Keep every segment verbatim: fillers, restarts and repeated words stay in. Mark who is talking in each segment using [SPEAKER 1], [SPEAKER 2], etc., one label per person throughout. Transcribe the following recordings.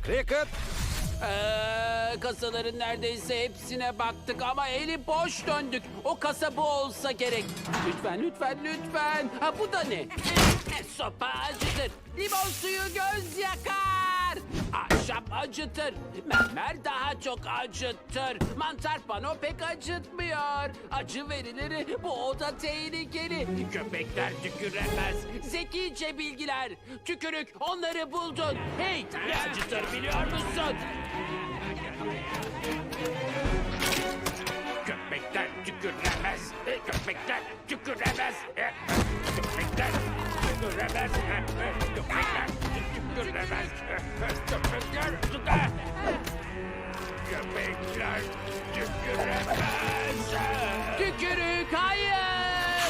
[SPEAKER 1] Cricket.
[SPEAKER 2] Ee, kasaların neredeyse hepsine baktık ama eli boş döndük. O kasa bu olsa gerek. Lütfen, lütfen, lütfen. Ha, bu da ne? Sopa acıtır. Limon suyu göz yakar. Ahşap acıtır. Mermer daha çok acıtır. Mantar pano pek acıtmıyor. Acı verilir. Bu oda tehlikeli. Köpekler tüküremez. Zekice bilgiler. Tükürük onları buldun. Hey, ne acıtır biliyor musun? Köpekler tüküremez. Köpekler tüküremez. Köpekler tüküremez. Köpekler tüküremez. Köpekler tüküremez. Köpekler tüküremez. Tükürük hayır.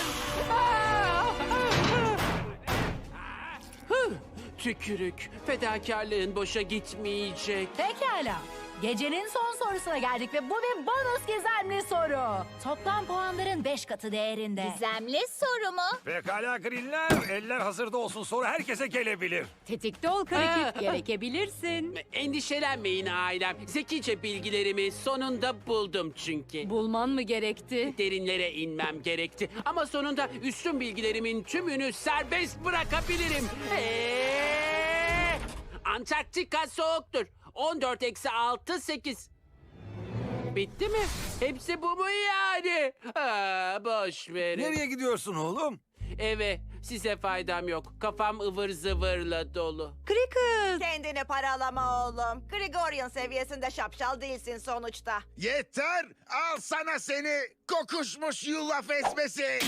[SPEAKER 2] Hı, Tükürük. Fedakarlığın boşa gitmeyecek.
[SPEAKER 3] Pekala. Gecenin son sorusuna geldik ve bu bir bonus gizemli soru. Toplam puanların beş katı değerinde.
[SPEAKER 4] Gizemli soru mu?
[SPEAKER 1] Pekala Greenler. Eller hazırda olsun. Soru herkese gelebilir.
[SPEAKER 5] Tetikte ol
[SPEAKER 2] Aa.
[SPEAKER 5] Cricket, gerekebilirsin.
[SPEAKER 2] Endişelenmeyin ailem. Zekice bilgilerimi sonunda buldum çünkü.
[SPEAKER 5] Bulman mı gerekti?
[SPEAKER 2] Derinlere inmem gerekti. Ama sonunda üstün bilgilerimin tümünü serbest bırakabilirim. Eee, Antarktika soğuktur. on dört eksi altı sekiz. Bitti mi? Hepsi bu mu yani? Aa, boş verin.
[SPEAKER 1] Nereye gidiyorsun oğlum?
[SPEAKER 2] Eve. Size faydam yok. Kafam ıvır zıvırla dolu.
[SPEAKER 5] Cricket!
[SPEAKER 6] Kendini paralama oğlum. Gregorian seviyesinde şapşal değilsin sonuçta.
[SPEAKER 7] Yeter! Al sana seni kokuşmuş yulaf esmesi!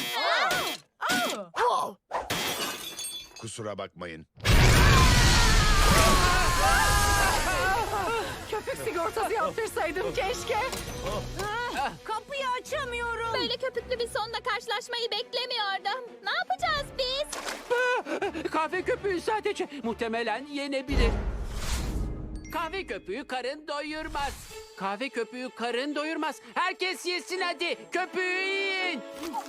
[SPEAKER 7] Kusura bakmayın.
[SPEAKER 5] Köpük sigortası yaptırsaydım keşke.
[SPEAKER 3] Kapıyı açamıyorum.
[SPEAKER 4] Böyle köpüklü bir sonla karşılaşmayı beklemiyordum. Ne yapacağız biz?
[SPEAKER 2] Kahve köpüğü sadece muhtemelen yenebilir. Kahve köpüğü karın doyurmaz. Kahve köpüğü karın doyurmaz. Herkes yesin hadi. Köpüğü yiyin.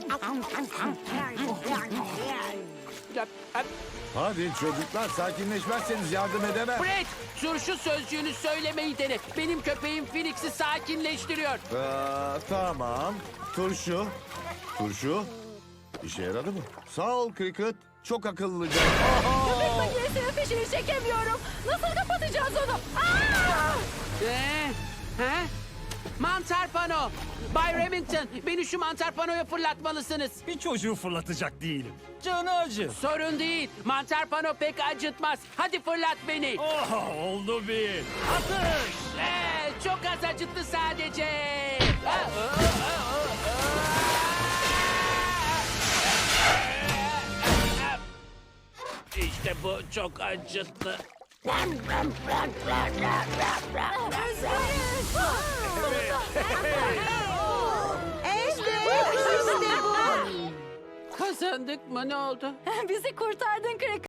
[SPEAKER 8] Hadi çocuklar sakinleşmezseniz yardım edemem.
[SPEAKER 2] Brett, turşu sözcüğünü söylemeyi dene. Benim köpeğim Phoenix'i sakinleştiriyor.
[SPEAKER 8] Aa, tamam. Turşu. Turşu. İşe yaradı mı? Sağ ol Cricket. Çok akıllıca.
[SPEAKER 3] Köpek makinesinin fişini çekemiyorum. Nasıl kapatacağız onu? Aa!
[SPEAKER 2] Ee, he? Mantar pano. Bay Remington, beni şu mantar panoya fırlatmalısınız.
[SPEAKER 1] Bir çocuğu fırlatacak değilim. Canı acı.
[SPEAKER 2] Sorun değil. Mantar pano pek acıtmaz. Hadi fırlat beni.
[SPEAKER 1] Oh, oldu bir.
[SPEAKER 2] Atış! Ee, çok az acıttı sadece. Aa, aa, aa, aa. İşte bu çok acıttı.
[SPEAKER 6] İşte, işte bu.
[SPEAKER 2] Kazandık mı, ne oldu?
[SPEAKER 3] Bizi kurtardın Cricket.